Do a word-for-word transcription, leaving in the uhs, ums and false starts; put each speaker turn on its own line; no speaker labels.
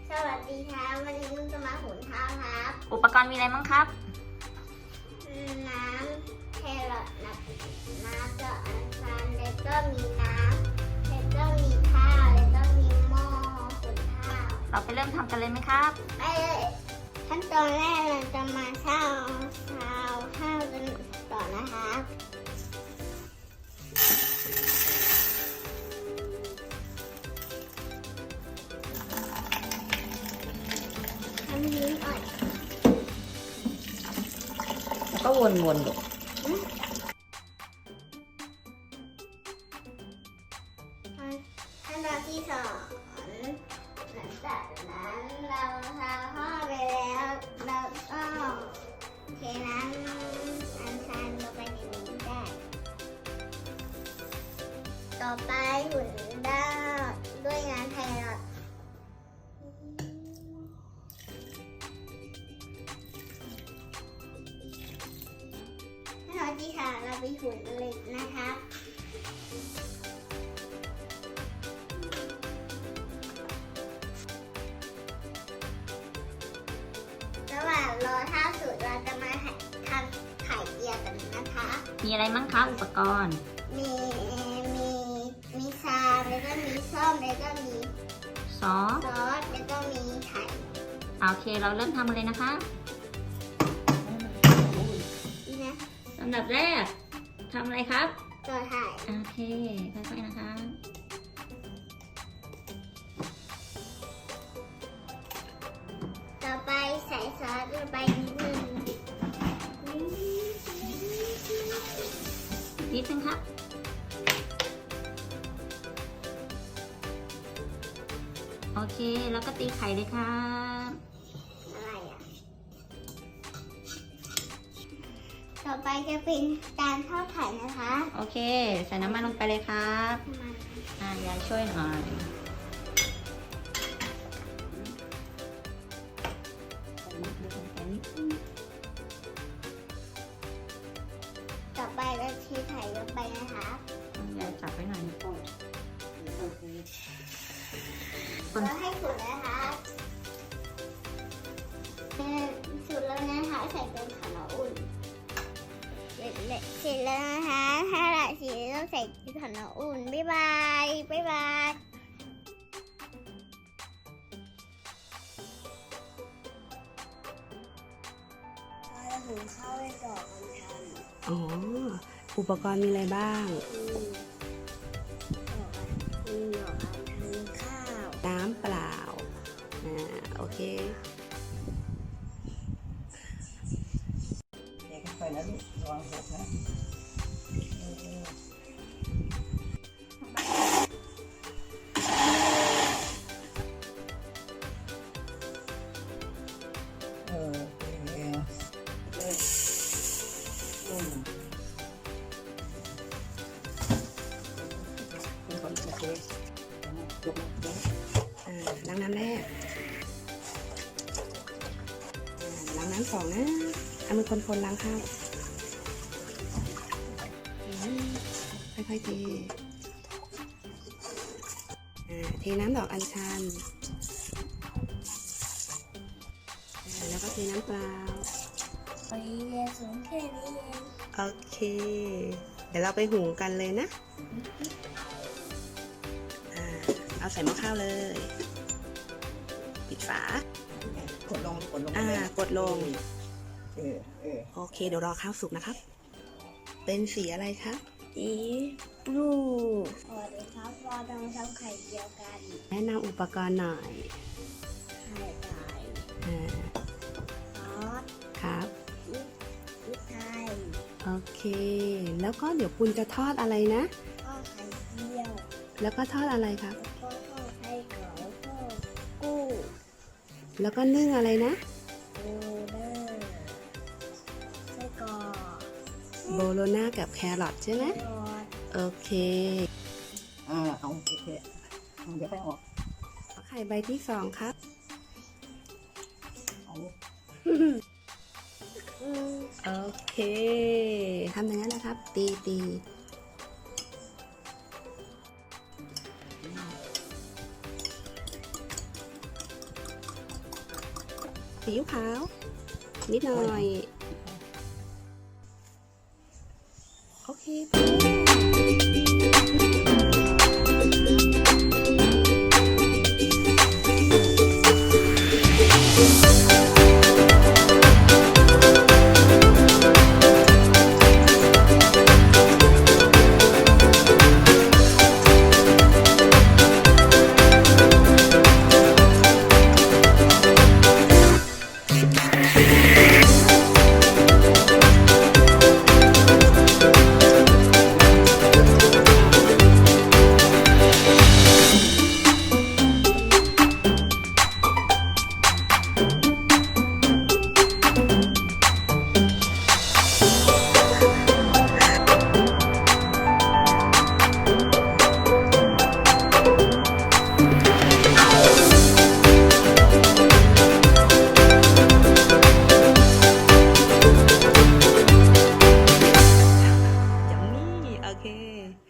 สวัสดีครับวันนี้นุ่นจะมาหุงข้าวครับ
อุปกรณ์มีอะไรบ้างครับ
น้ำแครอทน้ำน้ำกับอัญชันแล้วก็มีน้ำแล้วก็มีข้าวแล้วก็มีหม้อหุงข้าว
เราไปเริ่มทำกันเลยไหมครับ
ไปเลยขั้นตอนแรกเราจะมาเช่าเช่าข้าวกันก่อนนะครับทำนิ้นอ่อน
แล้วก็วนๆดู
ขั้นตอนที่สองหลังจากนั้นเราทาข้าวไปแล้วเราก็เทน้ำอัญชันลงไปในนี้ได้ต่อไปหุ่นด้าด้วยน้ำไทยรอดขั้นตอนที่สามเราไปหุ่นเหล็กนะคะระหว่างรอข้าวสุกเราจะมาทำไข่เจียวกันนะคะ
มีอะไรบ้างครับอุปกรณ์
มีมีมีชามแล้วก็มีส้มแล้วก็มี
ซอส
ซอสแล้วก็มีไข่
โอเคเราเริ่มทำกันเลยนะคะ
นี่นะ
ลำดับแรกทำอะไรครับ
ตัวไข่
โอเคค่อยๆนะคะ
ต่อไปใส่ซอสลงไปนิดนึง
นิดนึงครับโอเคแล้วก็ตีไข่เลยครับ
อะไรอ่ะต่อไปจะเป็นการทอดไข่นะคะ
โอเคใส่น้ำมันลงไปเลยครับอ่ายายช่วยหน่อย
ต่อไปเราเทไข่ลงไปนะคะ
ยายจับไว้หน่อยนะคน
เราให้สุดนะคะสุดแล้วนะคะใส่เป็นขนมอุ่นเสร็จแล้วนะคะถ้าละสีต้องใส่ขนมอุ่นบ๊ายบายบ๊ายบายเราหุงข้าวไว้ก่อนกัน
อ๋อ อุปกรณ์มีอะไรบ้าง
มีหยอกอันทันข้าว
น้ำเปล่า อ่า โอเค
เด็กไปนะลูกระวังหกนะเออเออเอออืมเป็นคนโอเคจบแล้ว
อ่า ล้างน้ำแรก อ่า ล้างน้ำสองนะเอามือคนๆล้างข้าวอืมค่อยๆเท อ่า เทน้ำดอกอัญชัน อ่า แล้วก็เทน้ำเปล่า
ไปเรียนสูงแค่นี้เอง
โอเค เดี๋ยวเราไปหุงกันเลยนะ อ่า เอาใส่หม้อข้าวเลย ปิดฝา
กดลงกดลง
อ่ากดลง
เออเออ
โอเค เดี๋ยวรอข้าวสุกนะครับ เป็นสีอะไรคะ
สีบลูสวัสดีครับเราจะมาทำไข่เจียวกัน
แนะนำอุปกรณ์หน่อย
ไข่ไก่
อ่า
ซอส
ครับ
พริกไทย
โอเค แล้วก็เดี๋ยวปุณจะทอดอะไรนะ
ก็ไข่เจียว
แล้วก็ทอดอะไรครับ
แล้วก็ทอดไข่เก๋าแล้วก็กุ้ง
แล้วก็นึ่งอะไรนะ
โรเดอร์ไส้กรอก
โบโลน่ากับแครอทใช่ไหม
ทอด
โอเค
อ่าเอาโอเคเอาเดี๋ยวไปออก
ไข่ใบที่สองครับ
เอา
อืม
โอเค ทำอย่างนั้นนะครับ ตีตีซีอิ๊วขาว นิดหน่อย โอเค ยัมมี่ โอเค